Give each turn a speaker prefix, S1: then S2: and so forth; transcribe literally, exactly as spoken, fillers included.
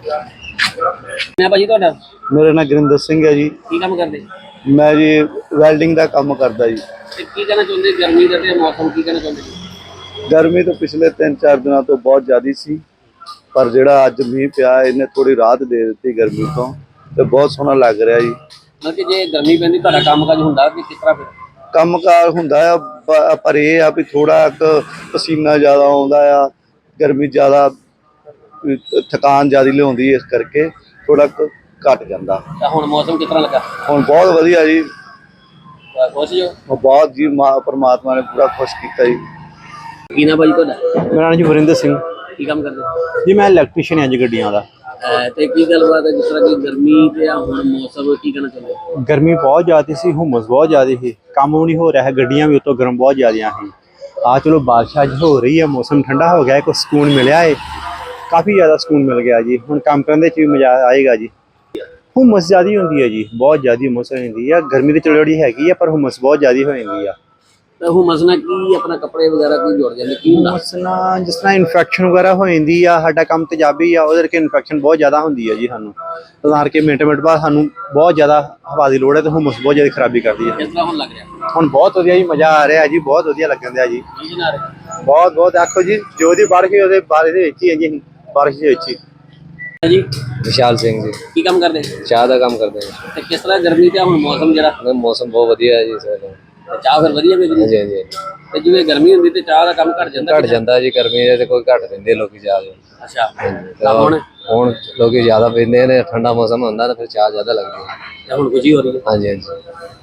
S1: मैं भाजी ਤੁਹਾਡਾ
S2: मेरा नाम गुरिंदर सिंह है जी।
S1: ਕੀ ਕੰਮ ਕਰਦੇ
S2: मैं जी वैल्डिंग का काम करता जी।
S1: ਤੇ ਕੀ ਕਹਿਣਾ ਚਾਹੁੰਦੇ ਗਰਮੀ ਦਾ ਤੇ ਮੌਸਮ ਕੀ ਕਹਿਣਾ ਚਾਹੁੰਦੇ ਜੀ?
S2: गर्मी तो पिछले तीन चार दिनों तो बहुत ज़्यादा सी, पर जिहड़ा अज मीह पिया इन्हें थोड़ी राहत दे दी गर्मी तो ते बहुत सोहना लग रहा जी।
S1: ਮਤਲਬ ਕਿ ਜੇ ਗਰਮੀ ਪੈਂਦੀ ਤੁਹਾਡਾ ਕੰਮ ਕਾਜ ਹੁੰਦਾ ਕਿ ਕਿਸ ਤਰ੍ਹਾਂ ਫਿਰ?
S2: ਕੰਮ ਕਾਰ ਹੁੰਦਾ ਆ ਪ- ਪਰ ਇਹ ਆ ਵੀ ਥੋੜਾ ਕੁ ਪਸੀਨਾ ਜ਼ਿਆਦਾ ਆਉਂਦਾ ਆ, ਗਰਮੀ ਜ਼ਿਆਦਾ ਵੀ ਥਕਾਨ ਜ਼ਿਆਦਾ ਲਿਆਉਂਦੀ ਇਸ ਕਰਕੇ ਥੋੜਾ ਕੁ ਘਟ ਜਾਂਦਾ।
S1: ਤਾਂ ਹੁਣ ਮੌਸਮ ਕਿਸ ਤਰ੍ਹਾਂ ਲੱਗਾ?
S2: ਹੁਣ ਬਹੁਤ ਵਧੀਆ ਜੀ,
S1: ਖੁਸ਼ ਜੋ?
S2: ਉਹ ਬਹੁਤ ਜੀ ਮਾ ਪਰਮਾਤਮਾ ਨੇ ਪੂਰਾ ਖੁਸ਼ ਕੀਤਾ ਜੀ।
S1: ਕੀ ਨਾ ਭਾਜੀ ਤੁਹਾਡਾ?
S3: ਮੇਰਾ ਨਾਮ ਜੀ ਵਰਿੰਦਰ ਸਿੰਘ
S1: ਕੀ ਕੰਮ ਕਰਦੇ
S3: ਜੀ। ਮੈਂ ਇਲੈਕਟ੍ਰੀਸ਼ੀਅਨ ਹਾਂ ਜੀ ਗੱਡੀਆਂ ਦਾ।
S1: ਅਹ ਤੇ ਕੀ ਗੱਲਬਾਤ ਹੈ ਜਿਸ ਤਰ੍ਹਾਂ ਕਿ ਗਰਮੀ ਤੇ ਆ ਹੁਣ ਮੌਸਮ ਕੀ ਕਹਿਣਾ ਚਾਹੁੰਦੇ?
S3: ਗਰਮੀ ਬਹੁਤ ਜ਼ਿਆਦਾ ਸੀ, ਹੁਮਸ ਬਹੁਤ ਜ਼ਿਆਦਾ ਸੀ, ਕੰਮ ਵੀ ਨਹੀਂ ਹੋ ਰਿਹਾ ਹੈ, ਗੱਡੀਆਂ ਵੀ ਉਤੋਂ ਗਰਮ ਬਹੁਤ ਜ਼ਿਆਦੀਆਂ ਸੀ। ਆ ਚਲੋ ਬਾਰਿਸ਼ ਅੱਜ ਹੋ ਰਹੀ ਹੈ, ਮੌਸਮ ਠੰਡਾ ਹੋ ਗਿਆ ਹੈ, ਕੁਛ ਸਕੂਨ ਮਿਲਿਆ ਹੈ, ਕਾਫੀ ਜ਼ਿਆਦਾ ਸਕੂਨ ਮਿਲ ਗਿਆ ਜੀ। ਹੁਣ ਕੰਮ ਕਰਨ ਦੇ ਵਿੱਚ ਵੀ ਮਜ਼ਾ ਆਏਗਾ ਜੀ। ਹੁਮਸ ਜ਼ਿਆਦਾ ਹੁੰਦੀ ਹੈ ਜੀ, ਬਹੁਤ ਜ਼ਿਆਦਾ ਹੁਮਸ ਹੋ ਜਾਂਦੀ ਹੈ। ਗਰਮੀ ਤੇ ਚਲੋ ਜਿਹੜੀ ਹੈਗੀ ਆ, ਪਰ ਹੁਮਸ ਬਹੁਤ ਜ਼ਿਆਦਾ ਹੋ ਜਾਂਦੀ ਆ।
S1: ਤਾਂ ਹੁਮਸ ਨਾਲ ਕੀ ਆਪਣਾ ਕੱਪੜੇ ਵਗੈਰਾ ਕੀ ਜੁੜ ਜਾਂਦੇ ਕੀ ਹੁੰਦਾ?
S3: ਹੁਮਸ ਨਾਲ ਜਿਸ ਤਰ੍ਹਾਂ ਇਨਫੈਕਸ਼ਨ ਵਗੈਰਾ ਹੋ ਜਾਂਦੀ ਆ, ਸਾਡਾ ਕੰਮ ਤੇਜ਼ਾਬੀ ਆ, ਉਹਦੇ ਕਰਕੇ ਇਨਫੈਕਸ਼ਨ ਬਹੁਤ ਜ਼ਿਆਦਾ ਹੁੰਦੀ ਹੈ ਜੀ ਸਾਨੂੰ। ਤਾਂ ਕਰਕੇ ਮਿੰਟ ਮਿੰਟ ਬਾਅਦ ਸਾਨੂੰ ਬਹੁਤ ਜ਼ਿਆਦਾ ਹਵਾ ਦੀ ਲੋੜ ਹੈ, ਤੇ ਹੁਮਸ ਬਹੁਤ ਜ਼ਿਆਦਾ ਖਰਾਬੀ ਕਰਦੀ ਹੈ।
S1: ਕਿਸ ਤਰ੍ਹਾਂ ਹੁਣ ਲੱਗ ਰਿਹਾ?
S3: ਹੁਣ ਬਹੁਤ ਵਧੀਆ ਜੀ, ਮਜ਼ਾ ਆ ਰਿਹਾ ਜੀ, ਬਹੁਤ ਵਧੀਆ ਲੱਗਣ ਦਿਆ ਜੀ।
S1: ਕੀ ਜਨਾ ਰਿਹਾ
S3: ਬਹੁਤ ਬਹੁਤ ਆਖੋ ਜੀ, ਜੋ ਦੀ ਬਾਰਿਸ਼ ਹੋਈ ਉਹਦੇ ਬਾਰੇ ਦੇ ਵਿੱਚ ਹੀ ਹੈ ਜੀ, ਅਸੀਂ ਬਾਰਿਸ਼ ਦੇ ਵਿੱਚ ਹੀ।
S1: ਜੀ
S4: विशाल सिंह जी
S1: ਕੀ ਕੰਮ ਕਰਦੇ
S4: चाह का काम करते हैं।
S1: ਤੇ ਕਿਸ ਤਰ੍ਹਾਂ ਗਰਮੀ ਤੇ ਹੁਣ ਮੌਸਮ ਜਿਹੜਾ
S4: मौसम बहुत वधिया है जी इस वेले।
S1: ਤੇ ਚਾਹ ਫਿਰ ਵਧੀਆ ਮਿਲਦੀ?
S4: हाँ जी हाँ जी
S1: ਤੇ ਜਿਵੇਂ ਗਰਮੀ ਹੁੰਦੀ ਤੇ ਚਾਹ ਦਾ ਕੰਮ ਘਟ ਜਾਂਦਾ?
S4: घट जाता जी, गर्मी दे कोई घट पींदे लोग चाह।
S1: ਅੱਛਾ ਤਾਂ ਹੁਣ
S4: हुण लोग ज्यादा पींदे ने, ठंडा मौसम होंदा तो फिर चाह ज्यादा लगदी है।
S1: ਤੇ ਹੁਣ ਖੁਸ਼ੀ ਹੋ ਰਹੀ ਹੈ?
S4: हाँ जी हाँ जी।